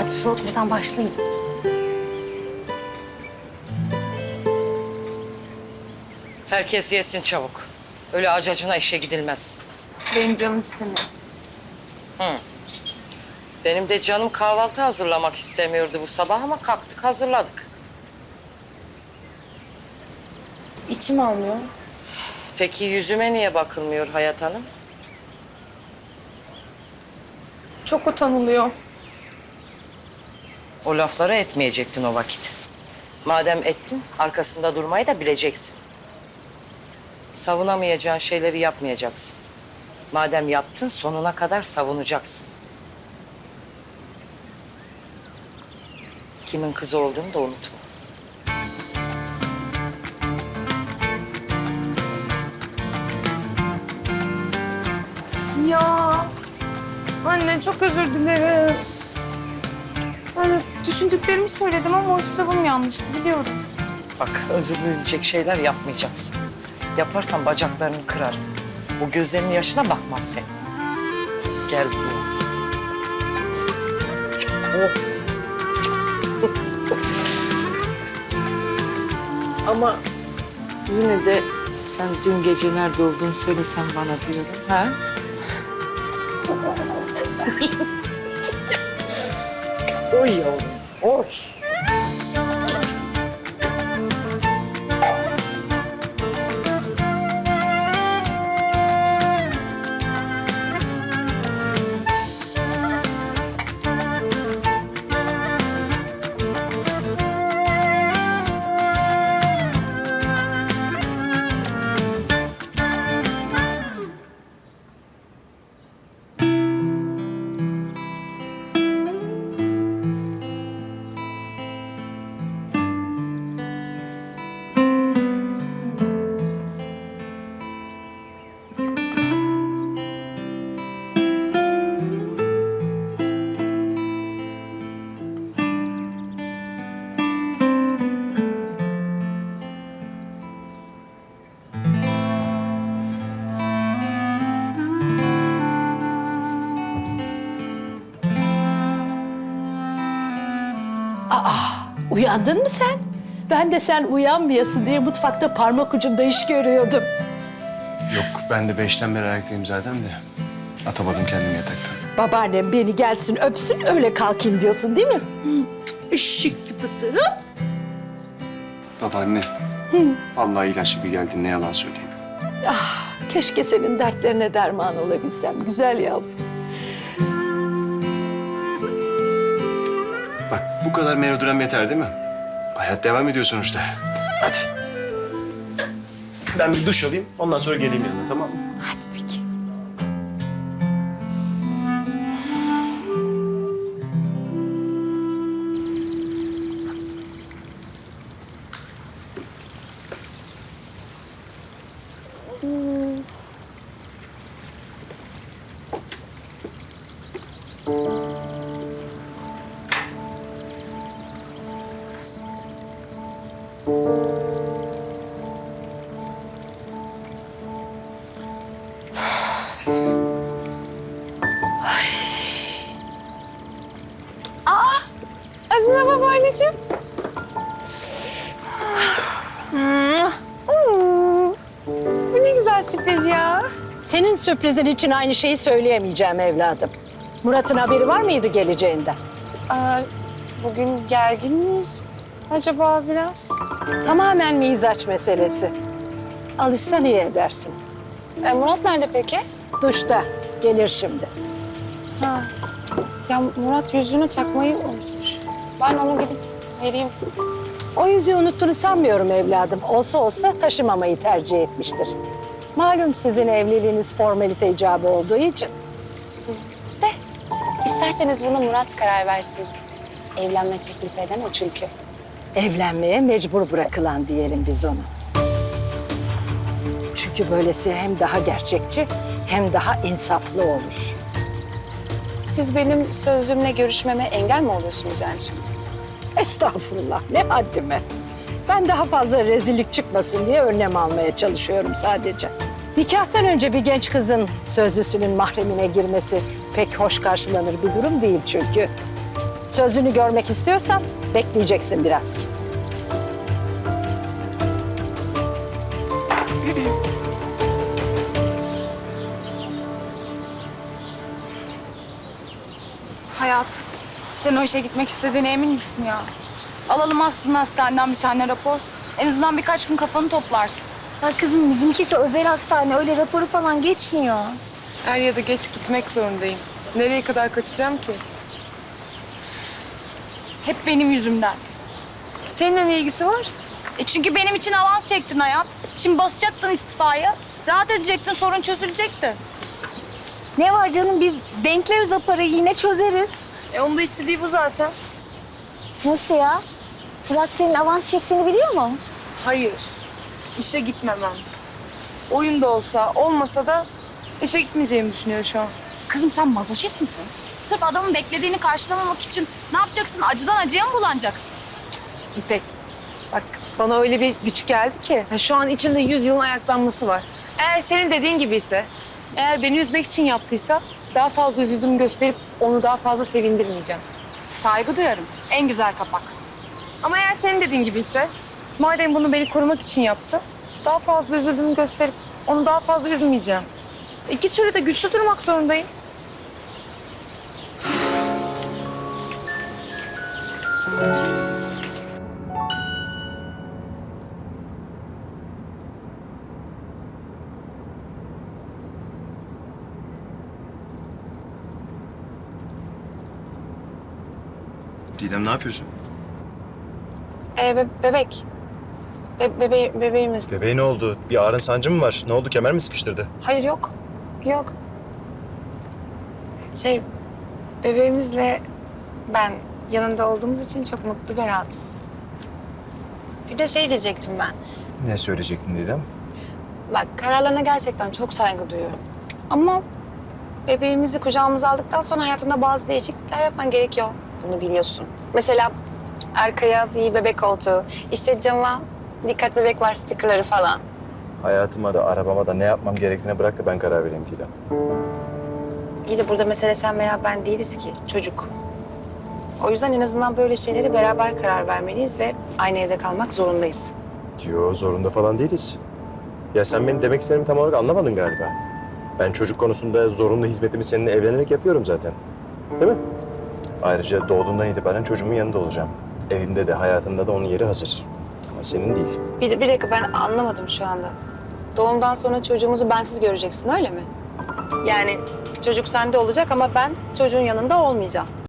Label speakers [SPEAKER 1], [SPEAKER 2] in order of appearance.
[SPEAKER 1] Hadi soğutmadan başlayın.
[SPEAKER 2] Herkes yesin çabuk. Öyle acacına işe gidilmez.
[SPEAKER 3] Benim canım istemiyor.
[SPEAKER 2] Benim de canım kahvaltı hazırlamak istemiyordu bu sabah ama kalktık hazırladık.
[SPEAKER 3] İçim almıyor.
[SPEAKER 2] Peki yüzüme niye bakılmıyor Hayat Hanım?
[SPEAKER 3] Çok utanılıyor.
[SPEAKER 2] O lafları etmeyecektin o vakit. Madem ettin, arkasında durmayı da bileceksin. Savunamayacağın şeyleri yapmayacaksın. Madem yaptın, sonuna kadar savunacaksın. Kimin kızı olduğunu da unutma.
[SPEAKER 3] Ya anne çok özür dilerim. Yani düşündüklerimi söyledim ama üslubum yanlıştı biliyorum.
[SPEAKER 2] Bak, özür dileyecek şeyler yapmayacaksın. Yaparsan bacaklarını kırarım. Bu gözlerinin yaşına bakmam sen. Gel buraya. Oh. Ama yine de sen dün gece nerede olduğunu söylesen bana diyorum. Ha? Oy yavrum, oy.
[SPEAKER 4] Uyandın mı sen? Ben de sen uyanmayasın diye mutfakta parmak ucumda iş görüyordum.
[SPEAKER 5] Yok, ben de 5'ten beri ayaktayım zaten de. Atamadım kendimi yataktan.
[SPEAKER 4] Babaannem beni gelsin öpsün öyle kalkayım diyorsun değil mi? Işık sıpısı.
[SPEAKER 5] Babaanne, vallahi ilaçlı bir geldin, ne yalan söyleyeyim.
[SPEAKER 4] Keşke senin dertlerine derman olabilsem güzel yavrum.
[SPEAKER 5] Bak, bu kadar melodram yeter değil mi? Hayat devam ediyor sonuçta. Hadi. Ben bir duş alayım, ondan sonra geleyim yanına, tamam mı?
[SPEAKER 4] Hadi peki.
[SPEAKER 3] Azime babaanneciğim. Bu ne güzel sürpriz ya.
[SPEAKER 4] Senin sürprizin için aynı şeyi söyleyemeyeceğim evladım. Murat'ın haberi var mıydı geleceğinden?
[SPEAKER 3] Bugün gergin miyiz acaba biraz?
[SPEAKER 4] Tamamen mizaç meselesi. Alışsan iyi edersin.
[SPEAKER 3] Murat nerede peki?
[SPEAKER 4] Duşta. Gelir şimdi.
[SPEAKER 3] Ha. Ya Murat yüzünü takmayı unutmuş. Ben onu gidip vereyim.
[SPEAKER 4] O yüzüğü unuttuğunu sanmıyorum evladım. Olsa olsa taşımamayı tercih etmiştir. Malum sizin evliliğiniz formalite icabı olduğu için.
[SPEAKER 3] İsterseniz buna Murat karar versin. Evlenme teklif eden o çünkü.
[SPEAKER 4] Evlenmeye mecbur bırakılan diyelim biz onu. Çünkü böylesi hem daha gerçekçi hem daha insaflı olur.
[SPEAKER 3] Siz benim sözlümle görüşmeme engel mi oluyorsunuz yani şimdi?
[SPEAKER 4] Estağfurullah, ne haddime. Ben daha fazla rezillik çıkmasın diye önlem almaya çalışıyorum sadece. Nikahtan önce bir genç kızın sözlüsünün mahremine girmesi pek hoş karşılanır bir durum değil çünkü. Sözünü görmek istiyorsan bekleyeceksin biraz.
[SPEAKER 3] Hayat, sen o işe gitmek istediğine emin misin ya? Alalım aslında hastaneden bir tane rapor. En azından birkaç gün kafanı toplarsın.
[SPEAKER 1] Ya kızım bizimkisi özel hastane. Öyle raporu falan geçmiyor.
[SPEAKER 6] Er ya da geç gitmek zorundayım. Nereye kadar kaçacağım ki?
[SPEAKER 3] Hep benim yüzümden.
[SPEAKER 6] Seninle ne ilgisi var?
[SPEAKER 3] Çünkü benim için avans çektin hayat. Şimdi basacaktın istifaya. Rahat edecektin, sorun çözülecekti.
[SPEAKER 1] Ne var canım, biz denkleriz o parayı, yine çözeriz.
[SPEAKER 6] Onun da istediği bu zaten.
[SPEAKER 1] Nasıl ya? Murat senin avans çektiğini biliyor mu?
[SPEAKER 6] Hayır. İşe gitmemem. Oyun da olsa, olmasa da işe gitmeyeceğimi düşünüyor şu an.
[SPEAKER 3] Kızım sen mazoşist misin? Sırf adamın beklediğini karşılamamak için ne yapacaksın? Acıdan acıya mı bulanacaksın?
[SPEAKER 6] İpek, bak bana öyle bir güç geldi ki. Şu an içimde 100 yılın ayaklanması var. Eğer senin dediğin gibi ise, eğer beni üzmek için yaptıysa daha fazla üzüldüğümü gösterip onu daha fazla sevindirmeyeceğim.
[SPEAKER 3] Saygı duyarım. En güzel kapak.
[SPEAKER 6] Ama eğer senin dediğin gibi ise, madem bunu beni korumak için yaptı, daha fazla üzüldüğümü gösterip onu daha fazla üzmeyeceğim. İki türlü de güçlü durmak zorundayım.
[SPEAKER 7] Didem ne yapıyorsun?
[SPEAKER 8] Bebek. Bebeğimiz.
[SPEAKER 7] Bebeğe ne oldu? Bir ağrın sancı mı var? Ne oldu? Kemer mi sıkıştırdı?
[SPEAKER 8] Hayır yok. Yok. Bebeğimizle ben yanında olduğumuz için çok mutlu ve rahatız. Bir de diyecektim ben.
[SPEAKER 7] Ne söyleyecektin Didem?
[SPEAKER 8] Bak kararlarına gerçekten çok saygı duyuyorum. Ama bebeğimizi kucağımıza aldıktan sonra hayatında bazı değişiklikler yapman gerekiyor. Bunu biliyorsun. Mesela arkaya bir bebek koltuğu, işte cama dikkat bebek var stickerları falan.
[SPEAKER 7] Hayatıma da arabama da ne yapmam gerektiğine bırak da ben karar vereyim Didem.
[SPEAKER 8] İyi de burada mesele sen veya ben değiliz ki, çocuk. O yüzden en azından böyle şeyleri beraber karar vermeliyiz ve aynı evde kalmak zorundayız.
[SPEAKER 7] Yo, zorunda falan değiliz. Ya sen benim demek istediğimi tam olarak anlamadın galiba. Ben çocuk konusunda zorunlu hizmetimi seninle evlenerek yapıyorum zaten. Değil mi? Ayrıca doğduğundan itibaren çocuğumun yanında olacağım. Evimde de hayatımda da onun yeri hazır. Ama senin değil.
[SPEAKER 8] Bir dakika ben anlamadım şu anda. Doğumdan sonra çocuğumuzu bensiz göreceksin öyle mi? Yani çocuk sende olacak ama ben çocuğun yanında olmayacağım.